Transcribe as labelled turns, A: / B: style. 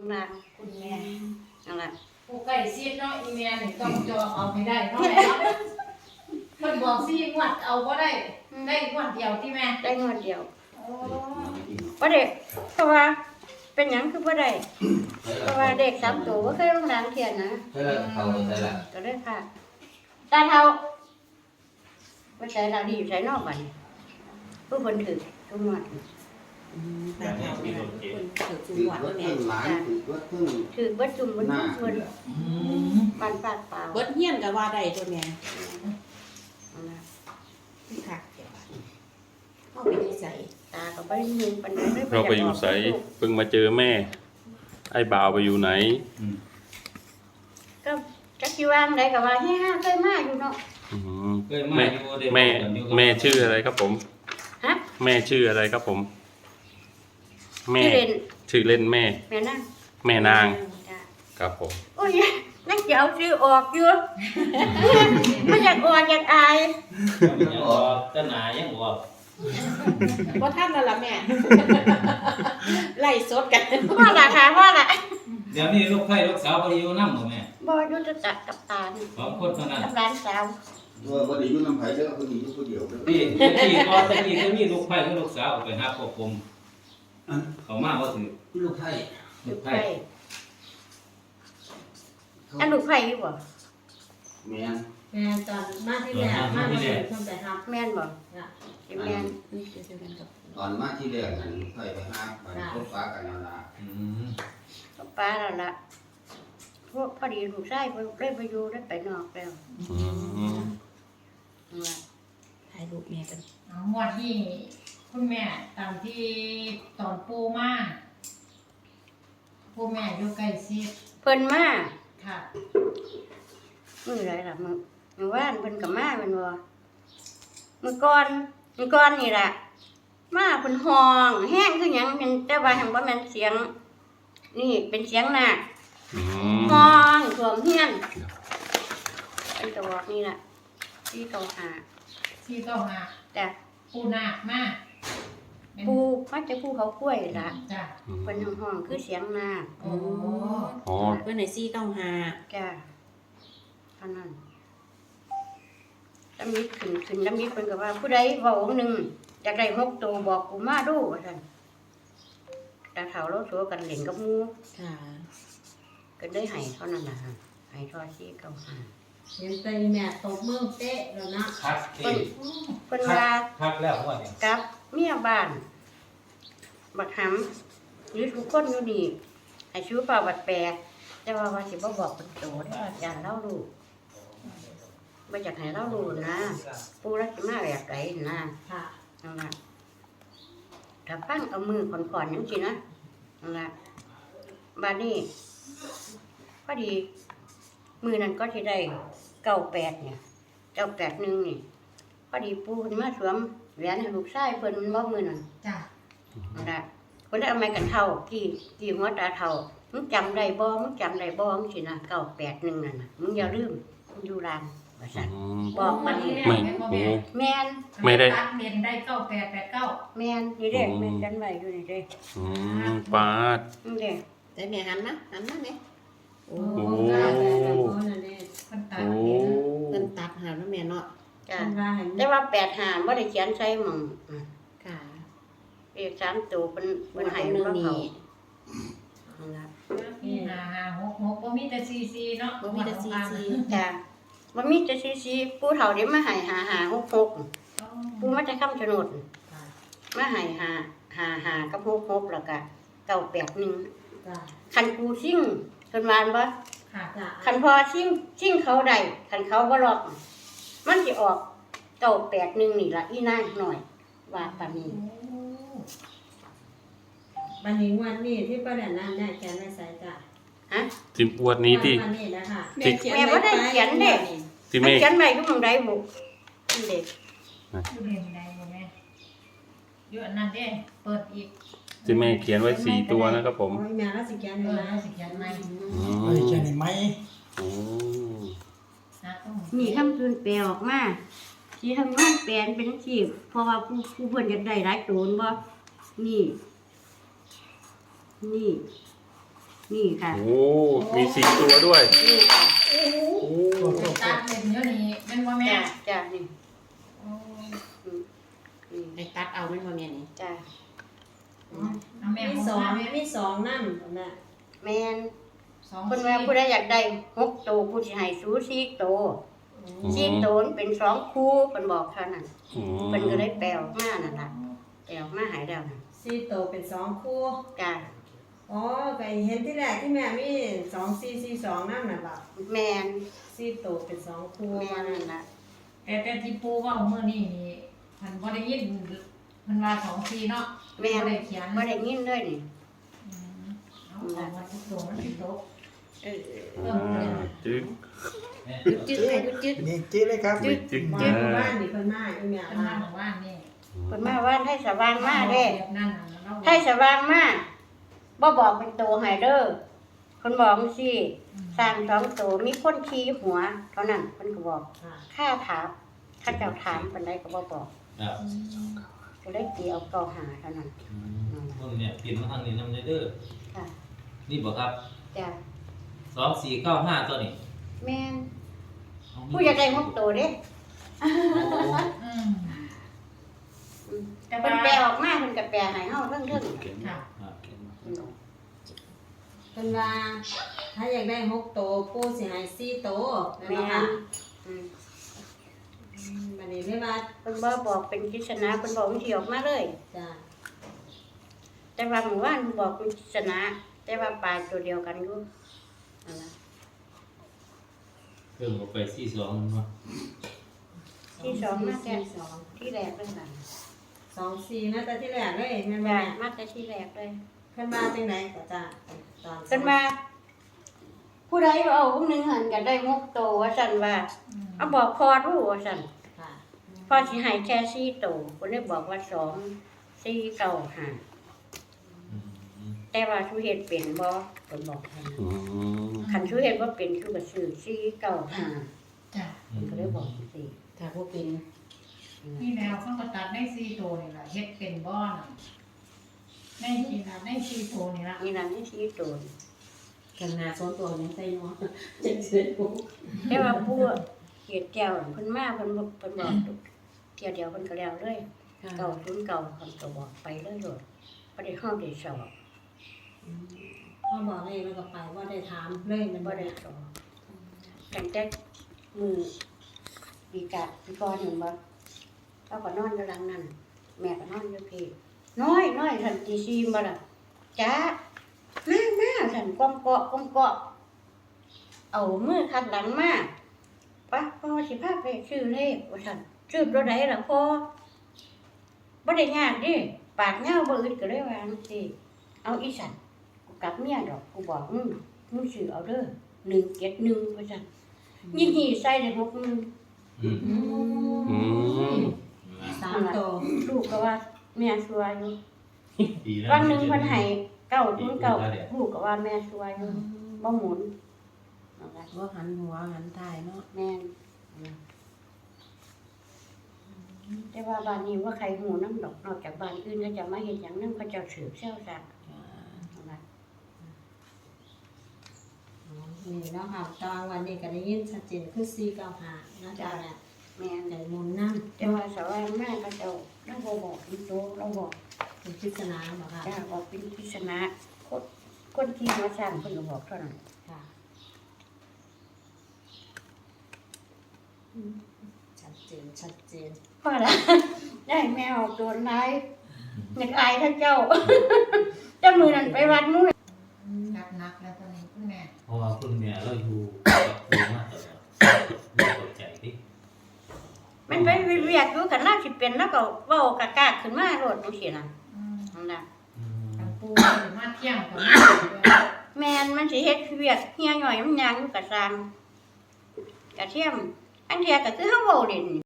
A: มาคุณแม่นั่นแหละ
B: ผู้ใกล้ชิดเนาะอีเมียนี่ต้องจองเอาให้ได้เนาะแม่มันบอกซี่งวดเอาก็ได้งวดเดียวที่แม่
A: ได้งวดเดียว
B: โอ้
A: บ่ได้เพราะว่าเป็นหยังคือบ่ได้เพราะว่าเด็ก3ตัวบ่เคยลงดังเทียนนะ
C: ใช่ละเขาใช่ละ
A: ก็เลยค่ะตาเฒ่าบ่ใส่ละดีใส่นอกบัดนี้ผู้เพิ่นถือทุกงวด
D: แต่แม่เป็นคนถือจุ่มหวานแม่
A: ถือเบิดจุ่มเบิดเพิ่นปันปากเปล่า
D: เบิดเฮียนก็ว่าได้ตัวแม่ที่คักเดี๋ยวเข้าไปในใจ
A: ตาก็บ่ได้ยินปานใดเลย
E: เราไปอยู่ไสเพิ่งมาเจอแม่ไอ้บ่าวไปอยู่ไหน
A: ก็จักสิว่าจังไดก็ว่าเฮ้เคยมาอยู่เนาะ
E: แม่ชื่ออะไรครับผม
A: ฮะ
E: แม่ชื่ออะไรครับผมแม่ชื่อเล่นแม่
A: แม่นาง
E: ครับผม
A: โอ้ยนักเจ้าชื่อออกอยู่ไม่อยากออกอยากอาย
C: ยังออกต้นหนายังออก
D: ว่าท่านนั่นล่ะแม่ไล่สดกัน
A: พ่อละค่ะพ่อละ
C: เดี๋ยวนี้ลูกไผ่ลูกสาวบ่ได้อยู่นำบ่แม่
A: บ่อยู่จะกับตา
C: 2คนเท่านั้น
A: กับร้านสาว
F: บ่ได้อยู่นำไผเด้อเพิ่นอยู่ผู้เดียวเด้อ
C: พี่ก่อนแต่กี้ก็มีลูกไผ่กับลูกสาวไปหาควบคุมเขามาบ่ถือ
F: ลูกไผ
A: ลูกไผ่อันลูกไผ่อยู่บ่
F: แม่น
B: แม่ตอนมาที่แรกมาเลยเพิ่นไปทำ
A: แม่นบ่แม่น
F: ตอนมาที่แรกนั่นลูกไผไปหาบ้านพบปะกันนั่นล่ะ
A: ป้าแล้วล่ะพวกพอดีลูกชายเพิ่นเลยไปอยู่ได้ไปนอกแล้ว
D: ถ่ายรูปแม่กัน
B: งวดที่คุณแม่ตามที่ตอนปูมาปูแม่อยู่ใกล้ชิด
A: เพิ่นมา
B: ค่ะ
A: มื้อใดล่ะมื้อวานเพิ่นก็มาแม่นบ่มื้อก่อนนี่ล่ะมาเพิ่นห้องแห้งคือหยังเป็นแต่ว่าหั้นบ่แม่นเสียงนี่เป็นเสียงนาคห้องท่วมเฮียนเป็นตัวนี่ล่ะที่เก่าหาจ้ะ
B: ปูนาคมา
A: ปูมาจะปูเขากล้วยล่ะ
B: จ้ะ
A: เพิ่นห้องคือเสียงนาค
D: อ๋อเพิ่นให้495
A: จ้ะเท่านั้นลำนิดขึ้นลำนิดเพิ่นก็ว่าผู้ใดเว้าองค์นึงอยากได้6ตัวบอกกูมาดูว่าซั่นตาเฒ่าเราสัวกันเล่นกับหมู่
D: ค่ะ
A: ก็ได้ให้เท่านั้นล่ะให้ทอด495
B: เห็นใจแม่ตบมือเป๊ะแล้วนะ
C: คัก
A: เพิ่นว่า
C: คักแล้วว่าเนี่ย
A: กับเมียบ้านบักหำหรือทุกคนอยู่นี่ให้ชื่อเปล่าบัดแปลแต่ว่าสิบ่บอกเพิ่นโตเด้ออาจารย์เล่ารู้บ่อยากให้เล่ารู้นะปู่รักสิมาแบบใดนะ
B: ค่ะ
A: นั่นล่ะถ้าฟังเอามือก่อนๆจังซี่นะนั่นล่ะบัดนี้พอดีมื้อนั้นก็สิได้98เนี่ย981นี่พอดีปู่เพิ่นมาสวมแหวนให้ลูกชายเพิ่นบ่มื้อนั้น
B: จ้ะ
A: นั่นล่ะเพิ่นได้เอาไม้กันเฒ่ากี่หัวตาเฒ่ามึงจำได้บ่จังซี่นะ981นั่นน่ะมึงอย่าลืมมึงอยู่ร้านว่าซั่นบอกมันแม่น
E: ไม่ได้
B: เรียนได้9889
A: แม่นนี่เด้แม่นกันไว้อยู่นี่เด้
E: ปาด
A: นี่เด้
D: แต่แม่หันนะแม่
E: โอ้
D: เพิ่นตัดหาแล้วแม่เนาะ
A: จ้ะแต่ว่า85บ่ได้เขียนใส่หม่อง
D: ค่ะ
A: เลข3ตัวเพิ่นให้บ่เข้านั่นล่ะ
B: 556บ่มีแต่44เนาะ
D: บ่มีแต่44
A: จ้ะบ่มีแต่44ปู่เฒ่าได้มาให้5566ปู่มาจากคำชะโนดมาให้55กับ66แล้วก็981
B: จ้ะ
A: คันกูซิ่งเพิ่นว่าบ่
B: ค่ะจ้ะ
A: คันพอซิ่งเขาได้คันเขาบ่ล็อกมันสิออก981นี่ล่ะอีนางหน่อยว่าปานนี้
B: บัดนี้วันนี้ที่ป้าแดนนั่นได้แขนไว้ใส่จ้ะ
A: ฮะ
E: สิบอวดนี้ที่
A: แม่บ่ได้เขียนเด้ที่แม่เขียนไว้อยู่หม้องใดบ่นี่เด้
B: อยู่เรียนใดบ่แม่อยู่อันนั้นเด้เปิดอีก
E: ที่แม่เขียนไว้4ตัวนะครับผม
B: แม่แล้วสิเขียนไว้แล้วสิเขียนใหม่
C: เขียนให้ใหม่
A: นี่คำคืนแปลออกมาสิทำงานแปลเป็นจังซี่เพราะว่าผู้เพิ่นอยากได้หลายตัวบ่นี่นี่ค่ะ
E: โอ้มี4ตัวด้วย
A: นี่ค่ะ
E: โอ้
B: ตัดเล่นเดี๋ยวนี้แม่นบ่แม่
A: จ้าจ้านี่
B: โอ้
A: นี่
D: ได้ตัดเอาแม่นบ่แม่นี่
A: จ้า
B: เอาแม่
D: มี
B: ของ
D: สอง
B: แม่
D: มีสองนำน่ะ
A: แม่น
B: สอง
A: คนว่าผู้ใดอยากได้6ตัวผู้สิให้สู4ตัว4ตัวมันเป็น2คู่เพิ่นบอกเท่านั้น
E: อืม
A: เพิ่นก็เลยแปลออกมานั่นล่ะแปลออกมาให้แล้วน่ะ
G: 4ตัวเป็น2คู่
A: จ้า
G: อ๋อก็เห็นที่แรกที่แม่มี2442นั่นน่ะล่ะ
A: แม่น
G: 4ตัวเป็น2คู่
A: แม่นนั่นล่ะ
B: แต่ที่ปูเว่าเมื่อนี้นี่มันบ่ได้ยินมันว่า2-4เนาะ
A: แม่น
B: บ่ได้เขียน
A: บ่ได้ยินเลยนี่
B: เอาออกมาทุกตัวมันสิตก
A: เออ
E: อ่าจึ๊ก
A: จึ๊กแม่จึ๊ก
H: นี่จี้เลยครับ
E: จึ๊กจึ๊ก
G: มา
E: อ่า
G: หมู่บ้านนี่เพิ่นมาอีแม่
B: เป็น
G: มา
B: มาของว่านนี่
A: เพิ่นมาว่าให้สว่างมาเด้
B: แบบนั้นน่ะเรา
A: ให้สว่างมาบ่บอกเป็นตัวให้เด้อเพิ่นบอกจังซี่สร้าง2ตัวมีคนขี่หัว เท่านั้นเพิ่นก็บอก
G: ค่ะ
A: ค่าถามถ้าเจ้าถามปานใดก็บ่บอก
C: ครับ
A: ก็เลยตีเอาเก่าหาเท่านั้น
C: คนเนี่ยเปลี่ยนมาทางนี้นำเด้อ
A: ค่ะ
C: นี่บ่ครับ
A: จ้ะ
C: 2495ตัวนี้
A: แม่นผู้อยากได้6ตัวเด้
B: อืม
A: แต่เพิ่นแปลออกมาเพิ่นก็แปลให้เฮาเรื่อง
B: ค่ะ
G: เพิ่นว่าถ้าอยากได้6ตัวปู่สิให้4ตัวนั่น
A: แม่
G: เนาะค่ะ
A: นอืม
G: บัดนี้เลยว่า
A: เพิ่นบ่บอกเป็นปริศนาเพิ่นบอกมันสิออกมาเลย
G: จ้ะ
A: แต่ว่าเมื่อวานเพิ่นบอกเป็นปริศนาแต่ว่าปลาตัวเดียวกันอยู่นั่นล่ะ
C: เพิ่มออกไป42มันว่า
A: ที่สองมาแต่
G: 42
A: ที่แรกเลยค่ะ
G: 24นะแต่ที่แรกเลยแม่นบ่
A: จ้ะ
G: แม่
A: มาแต่ที่แรกเลย
G: เพิ่นมาจังไดก็จ้ะตอน
A: เพิ่นมาผู้ใดเอาผู้หนึงหันก็ได้6ตัวว่าซั่นว่าเอาบอกพอรู้ว่าซั่น
G: ค่ะ
A: พอสิให้แค่4ตัวเพิ่นเลยบอกว่า2 4 9 5แต่ว่าชูเฮ็ดเป็นบ่เพิ่นบอกให้
E: อืม
A: คันชูเฮ็ดบ่เป็นคือก็ซื้อ4 9 5
B: จ้ะ
A: เพิ่นก็เลยบอกจังซี่
D: ถ้าบ่เป็น
B: นี่แล้วเขาก็ตัดได้4ตัวนี่ล่ะเฮ็ดเป็นบ่น่ะได้กินน่ะได้4ตัวนี่ล่ะ
A: นี่ล่ะนี่4ตัว
D: กันหน้าสองตัวยังใส่เนาะจังซี่ปุ๊บ
A: แต่ว่าผู้เฮ็ดแก้วเพิ่นมาเพิ่นบอกเที่ยวเดียวเพิ่นก็แล้วเลย
D: ค่ะ
A: เก่าศูนย์เก่าคำก็บอกไปเลยโลดบ่ได้เฮาได้สอบ
G: เขาบอกเลยมันก็ไปว่าได้ถามเลยมัน
A: บ่ได้สอบตั้งแต่มือปีกะปีก่อนเห็นบ่เขาก็นอนอยู่หลังนั้นแม่ก็นอนอยู่พี่น้อยทันตีซีบ่ล่ะจ้ามาท่านก้มเกาะเอามือคัดหลังมาปะพ่อสิพาไปซื้อเลขว่าซั่นซื้อตัวใดล่ะพ่อบ่ได้ยากเดิปากเหงาบ่อึดก็เลยว่าจังซี่เอาอีสันกูกลับเมียดอกกูบอกมึงซื้อเอาเด้อ171ว่าซั่นยี่ใส่ได้6,000
C: อืม
E: อืม
G: 3ตัว
A: ลูกก็ว่าแม่ชัวอยู่
C: ดีนะ
A: วันหนึ่งเพิ่นให้909ลูกก็ว่าแม่ชัวอยู่บ่หมุนนั่นล่ะ
G: บ่หันหัวหันท้ายเนาะ
A: แม่นแต่ว่าบ้านนี้ว่าใครหูน้ำดอกนอกจากบ้านอื่นก็จะมาเฮ็ดหยังนำเขาเจ้าสืบเซี่ยวซะนั่นล่ะ
G: นี่เนาะค่ะตอนวันนี้ก็ได้ยินชัดเจนคือ495นะจ๊ะแม่
A: แม่น
G: ใจมุนนำ
A: แต่ว่าสว่างมากเขาเจ้าเราบ่บอกเป็นโตเราบอก
G: เป็นปริศนาบ่ค่ะ
A: จ้าบอกเป็นปริศนาคนที่มาสร้างเพิ่นก็บอกเท่านั้น
G: ค่ะชัดเจน
A: พอละ ได้แมวโดนนายอยากอายท่านเจ้า เจ้ามือนั่นไปวัดนู้น
B: หนักแล้วตอนนี้คุณแม่
C: เพราะว่าคุณแม่เราอยู่กับครูมาตลอดไม่ตกใจดิ
A: มันไปเรียกอยู่กันน่าสิเป็นแล้วก็เว้ากากาขึ้นมาโลดจังซี่น่ะนั่นล่ะ
B: กับปูมาเที่ยงกับ
A: แม่นมันสิเฮ็ดเวียกเฮียหน่อยมันย่างอยู่กะซางกะเทียมอันเทียก็คือเฮาเว้าเล่นนี่